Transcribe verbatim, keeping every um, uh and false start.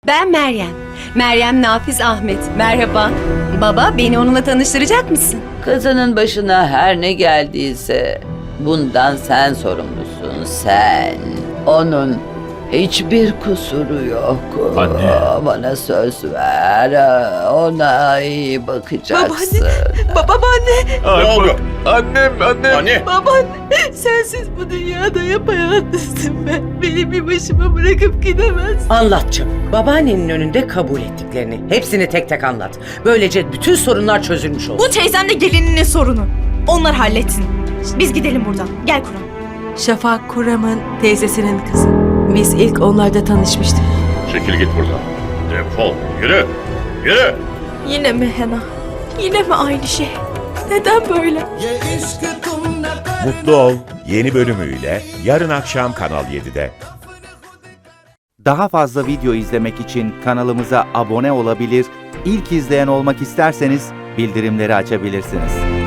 Ben Meryem. Meryem Nafiz Ahmet. Merhaba. Baba, beni onunla tanıştıracak mısın? Kızının başına her ne geldiyse bundan sen sorumlusun, sen. Onun hiçbir kusuru yok. Anne. Bana söz ver, ona iyi bakacaksın. Ba babaanne, Ay, Ne oldu? bak, Annem, annem. Anne! babaanne. Sensiz bu dünyada yapayalnızım ben. Beni bir başıma bırakıp gidemezsin. Anlatacağım. Babaannenin önünde kabul ettiklerini. Hepsini tek tek anlat. Böylece bütün sorunlar çözülmüş olur. Bu teyzemle gelininin sorunu. Onlar halletsin. Biz gidelim buradan. Gel Kuram. Şafak Kuram'ın teyzesinin kızı. Biz ilk onlarda tanışmıştık. Çekil git buradan. Defol. Yürü. Yürü. Yine mi Hena? Yine mi aynı şey? Neden böyle? Mutlu Ol yeni bölümüyle yarın akşam Kanal yedide. Daha fazla video izlemek için kanalımıza abone olabilir, ilk izleyen olmak isterseniz bildirimleri açabilirsiniz.